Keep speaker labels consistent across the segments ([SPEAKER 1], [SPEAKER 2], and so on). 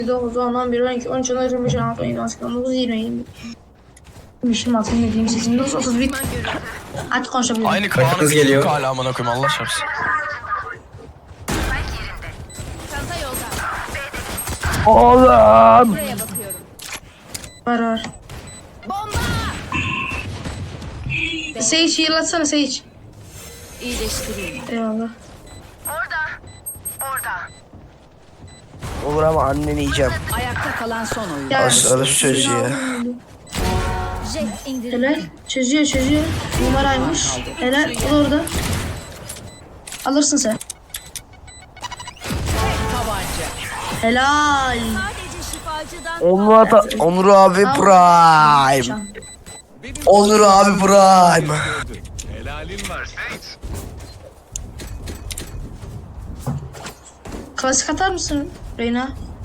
[SPEAKER 1] 9, 10, 11, 12, 13, 14, 15, 16, 17, 18, 19, 20, 20. 26, 27, 28, 29, 31. Hadi konuşabilirim.
[SPEAKER 2] Aynı Kaan'ın
[SPEAKER 3] Kız geliyor.
[SPEAKER 2] hala amına koyayım Allah şapsın.
[SPEAKER 4] Çanta yolda.
[SPEAKER 3] Oğlum.
[SPEAKER 4] Buraya bakıyorum.
[SPEAKER 1] Var.
[SPEAKER 4] Bomba!
[SPEAKER 1] Sage heal atsana Sage.
[SPEAKER 4] İyileştireyim.
[SPEAKER 1] Eyvallah.
[SPEAKER 3] Olur ama anneni yiyeceğim.
[SPEAKER 4] Ayakta kalan son oyun.
[SPEAKER 1] Ya,
[SPEAKER 3] Aşağıda şu çocuğu ya.
[SPEAKER 4] Jet indir.
[SPEAKER 1] Helal. Çözüyor. Numaraymış. Helal. O orada. Alırsın sen.
[SPEAKER 4] Tabanca.
[SPEAKER 1] Helal.
[SPEAKER 4] Sadece şifacıdan
[SPEAKER 3] Onur abi Prime. Onur abi Prime.
[SPEAKER 5] Helalin var Saints.
[SPEAKER 1] Klasik atar mısın Reyna?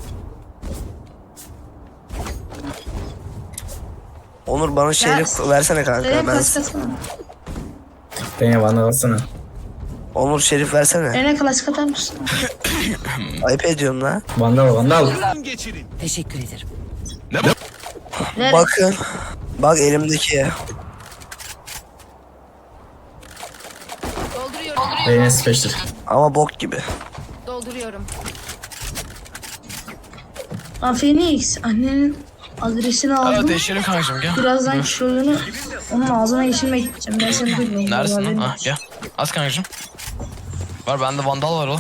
[SPEAKER 3] Onur bana şerif versene kanka.
[SPEAKER 1] Reyna
[SPEAKER 3] Ben...
[SPEAKER 1] klasik atsana.
[SPEAKER 6] Beni bana alsana.
[SPEAKER 3] Onur şerif versene.
[SPEAKER 1] Reyna klasik atar mısın?
[SPEAKER 3] Ayıp ediyorum lan.
[SPEAKER 6] Vandal.
[SPEAKER 5] Geçirin.
[SPEAKER 4] Teşekkür ederim.
[SPEAKER 1] Ver.
[SPEAKER 3] Bakın. Bak elimdeki.
[SPEAKER 4] Dolduruyorum.
[SPEAKER 6] Beni special.
[SPEAKER 3] Ama bok gibi.
[SPEAKER 4] Dolduruyorum.
[SPEAKER 1] Lan Phoenix annenin adresini
[SPEAKER 2] Evet
[SPEAKER 1] aldım.
[SPEAKER 2] değişelim kankacım gel.
[SPEAKER 1] Birazdan şuyunu onun ağzına geçirmeye gideceğim. Ben seni duymuyorum.
[SPEAKER 2] Neredesin lan?
[SPEAKER 1] Haberin
[SPEAKER 2] Ah
[SPEAKER 1] olsun.
[SPEAKER 2] gel. Az kankacım. Var bende vandal var oğlum.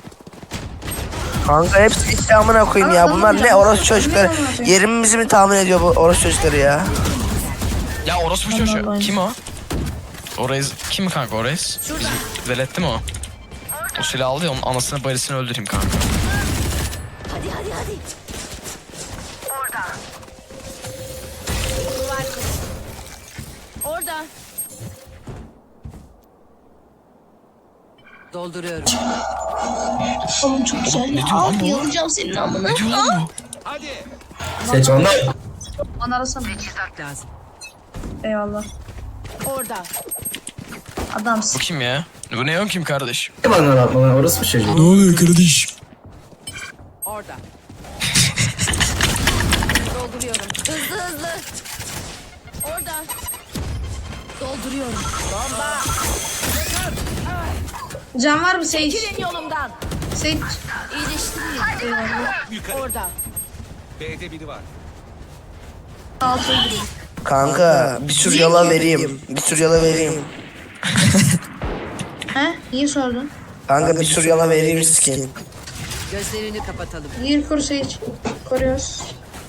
[SPEAKER 3] Kanka hepsi gitti amına koyayım ya. Bunlar ne orospu çocukları. Yerimizi mi tahmin ediyor bu orospu çocukları ya?
[SPEAKER 2] Ya orospu çocuğu. Kim o? O reis. Kim kanka o reis? Bizim veletti mi o? O silahı aldı ya onun anasını bacısını öldüreyim kanka.
[SPEAKER 4] Hadi. Orada. Dolduruyorum.
[SPEAKER 1] Oğlum çok güzel.
[SPEAKER 2] ne diyor lan bu?
[SPEAKER 1] Yalacağım senin amına.
[SPEAKER 2] Ne diyor lan bu?
[SPEAKER 5] Hadi.
[SPEAKER 6] Seç vandal.
[SPEAKER 1] Bana arasana.
[SPEAKER 4] Lazım.
[SPEAKER 1] Eyvallah.
[SPEAKER 4] Orada.
[SPEAKER 2] Bu
[SPEAKER 1] Adamsın.
[SPEAKER 2] kim ya? Bu ne kim kardeş?
[SPEAKER 6] Ne vandal atma lan orası mı çocuğu?
[SPEAKER 2] Ne oluyor kardeş?
[SPEAKER 4] Orada. Dolduruyorum. Hızlı. Orada. Dolduruyorum. Bomba.
[SPEAKER 1] Can var mı Sage?
[SPEAKER 4] Çekilin yolumdan.
[SPEAKER 1] Sage.
[SPEAKER 4] İyileştireyim.
[SPEAKER 5] Yukarı.
[SPEAKER 4] Orada.
[SPEAKER 5] B'de biri var.
[SPEAKER 1] Altı.
[SPEAKER 3] Kanka bir tür yala vereyim.
[SPEAKER 1] He? Niye sordun?
[SPEAKER 3] Kanka bir tür yala vereyim skin.
[SPEAKER 4] Gözlerini kapatalım.
[SPEAKER 1] Gir koru Sage. Koruyoruz.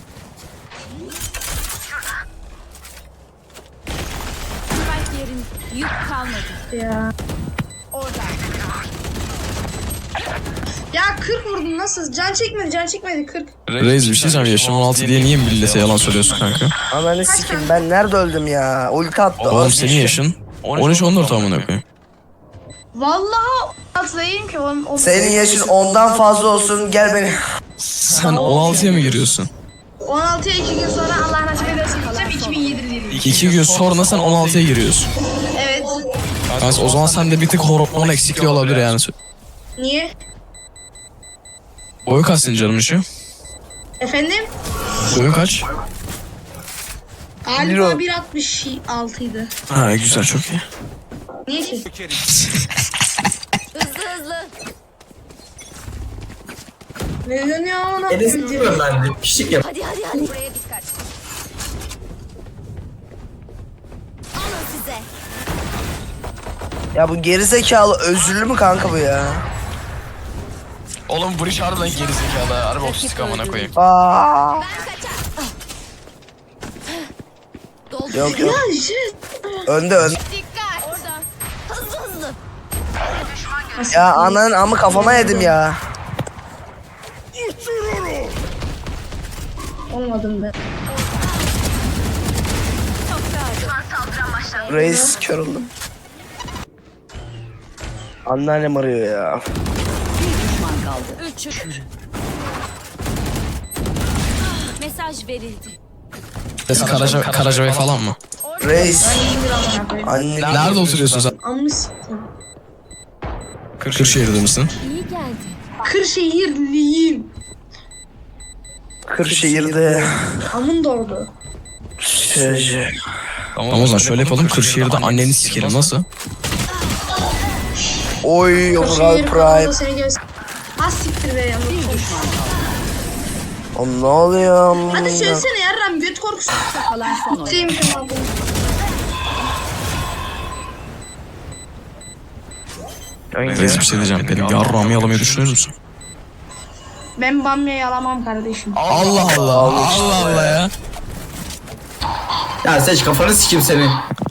[SPEAKER 4] Spike yerin yük kalmadı.
[SPEAKER 1] Ya.
[SPEAKER 4] Orada.
[SPEAKER 1] Ya 40 vurdun nasıl? Can çekmedi 40.
[SPEAKER 2] Reis bir şey söyleyeyim. Yaşım 16 diye niye millete yalan söylüyorsun kanka?
[SPEAKER 3] Ananı sikim ben nerede öldüm ya? Ulti attı.
[SPEAKER 2] Oğlum senin yaşın 13-14 amına koyayım.
[SPEAKER 1] Vallahi atlayayım ki o
[SPEAKER 3] Senin yaşın ondan fazla olsun gel beni.
[SPEAKER 2] Sen 16'ya mı giriyorsun?
[SPEAKER 1] 16'ya 2 gün sonra Allah nasip ederse gideceğim 2007 diyelim.
[SPEAKER 2] 2 gün sonra sen 16'ya giriyorsun.
[SPEAKER 1] Evet.
[SPEAKER 2] Yani o zaman sende bir tık hormon eksikliği olabilir yani.
[SPEAKER 1] Niye?
[SPEAKER 2] Boyu kaç senin canım işi?
[SPEAKER 1] Efendim?
[SPEAKER 2] Boyu kaç?
[SPEAKER 1] Galiba 1.66 idi.
[SPEAKER 2] Ha güzel çok iyi.
[SPEAKER 1] Niye ki?
[SPEAKER 4] Hızlı.
[SPEAKER 1] Neden ya ona?
[SPEAKER 6] Enes bilmiyorum ben de. Pişlik yap.
[SPEAKER 4] Hadi. Buraya dikkat. Alın size.
[SPEAKER 3] Ya bu gerizekalı özürlü mü kanka bu ya?
[SPEAKER 2] Oğlum bu iş harbiden gerizekalı. Harbi otistik amına koyayım.
[SPEAKER 3] Aa.
[SPEAKER 4] Ben kaçar. Doldur.
[SPEAKER 3] Yok.
[SPEAKER 1] Ya shit.
[SPEAKER 3] Önde.
[SPEAKER 4] Dikkat. Orada. Hızlı.
[SPEAKER 3] Ya ananın amı kafama yedim ya.
[SPEAKER 1] Olmadım ben.
[SPEAKER 3] Reis kör oldum. Anneannem arıyor ya.
[SPEAKER 4] Düşman kaldı. 3. Mesaj verildi.
[SPEAKER 2] Karacabey falan mı?
[SPEAKER 3] Reis.
[SPEAKER 1] İyiyimdir amına koyayım.
[SPEAKER 3] Anne.
[SPEAKER 2] Nerede oturuyorsun sen?
[SPEAKER 1] Amını siktim.
[SPEAKER 2] Kırşehir'de misin?
[SPEAKER 4] İyi geldi.
[SPEAKER 1] Kırşehirliyim.
[SPEAKER 3] Kırşehir'de
[SPEAKER 1] Amın doğdu.
[SPEAKER 3] çocuğu.
[SPEAKER 2] Tamam o zaman şöyle yapalım. Kırşehir'de anneni sikerim nasıl?
[SPEAKER 3] Oy Murat
[SPEAKER 1] Kırşehir kanalında
[SPEAKER 3] Prime.
[SPEAKER 1] seni göster. Ha siktir be yalnız.
[SPEAKER 3] O ne oluyor amına?
[SPEAKER 1] Hadi söylesene yarram göt korkusu.
[SPEAKER 4] Kalan son oyun.
[SPEAKER 1] Şeyim kim abi?
[SPEAKER 2] Reis bir şey diyeceğim. Benim yarrağımı yalamayı düşünür müsün?
[SPEAKER 1] Ben bamya yalamam kardeşim.
[SPEAKER 2] Allah Allah. Allah Allah ya.
[SPEAKER 6] Ya Seç kafanı sikeyim seni.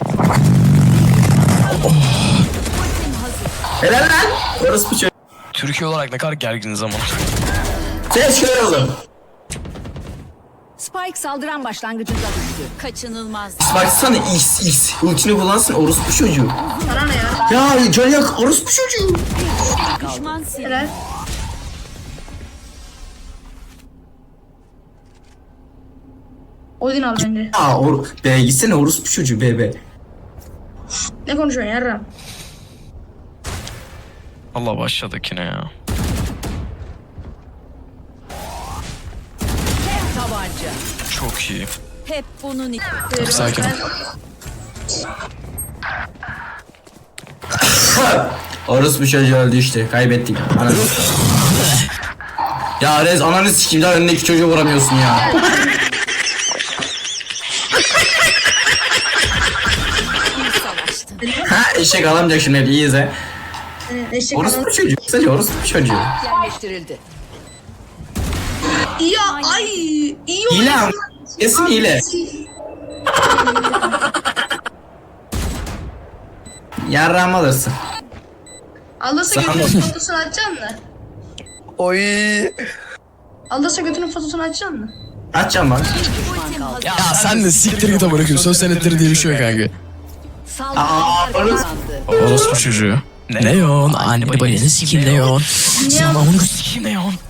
[SPEAKER 6] Helal lan. Orospu çocuğu.
[SPEAKER 2] Türkiye olarak ne kadar gerginiz ama.
[SPEAKER 6] Seç kör oğlum.
[SPEAKER 4] Spike saldıran başlangıcında düştü. Kaçınılmaz.
[SPEAKER 6] Baksana X. Ultini kullansın orospu çocuğu.
[SPEAKER 1] Sana ne ya?
[SPEAKER 6] Ya can yak orospu çocuğu.
[SPEAKER 4] Düşman sil.
[SPEAKER 1] Helal. Odin al bence.
[SPEAKER 6] Ya be gitsene orospu çocuğu be.
[SPEAKER 1] Ne konuşuyorsun yarram?
[SPEAKER 2] Allah başladık yine ya.
[SPEAKER 4] Tabanca.
[SPEAKER 2] Çok iyi.
[SPEAKER 4] Hep bunun için.
[SPEAKER 2] Sakin ol.
[SPEAKER 6] Orospu çocuğu öldü işte. Kaybettik. Ananı. Ya Rez ananı sikeyim daha önündeki çocuğu vuramıyorsun ya. Ha eşek alamayacak şimdi iyi izle.
[SPEAKER 1] Eşek
[SPEAKER 6] Orospu
[SPEAKER 1] ananı.
[SPEAKER 6] çocuğu. Kısaca orospu çocuğu.
[SPEAKER 4] Yerleştirildi.
[SPEAKER 1] Ya ay iyi
[SPEAKER 6] Hile
[SPEAKER 1] oyun.
[SPEAKER 6] am. Kesin hile. Yarrağımı alırsın.
[SPEAKER 1] Alırsa götünün fotosunu açacaksın mı?
[SPEAKER 3] Oy.
[SPEAKER 1] Alırsa götünün fotosunu açacaksın mı?
[SPEAKER 6] Açacağım bak.
[SPEAKER 2] Ya sen de siktir git amına koyayım. Söz senetleri diye bir şey yok kanka.
[SPEAKER 4] Saldıranlar kazandı.
[SPEAKER 2] Orospu çocuğu. Neon, anne babanı sikeyim Neon. Sen amına sikeyim Neon.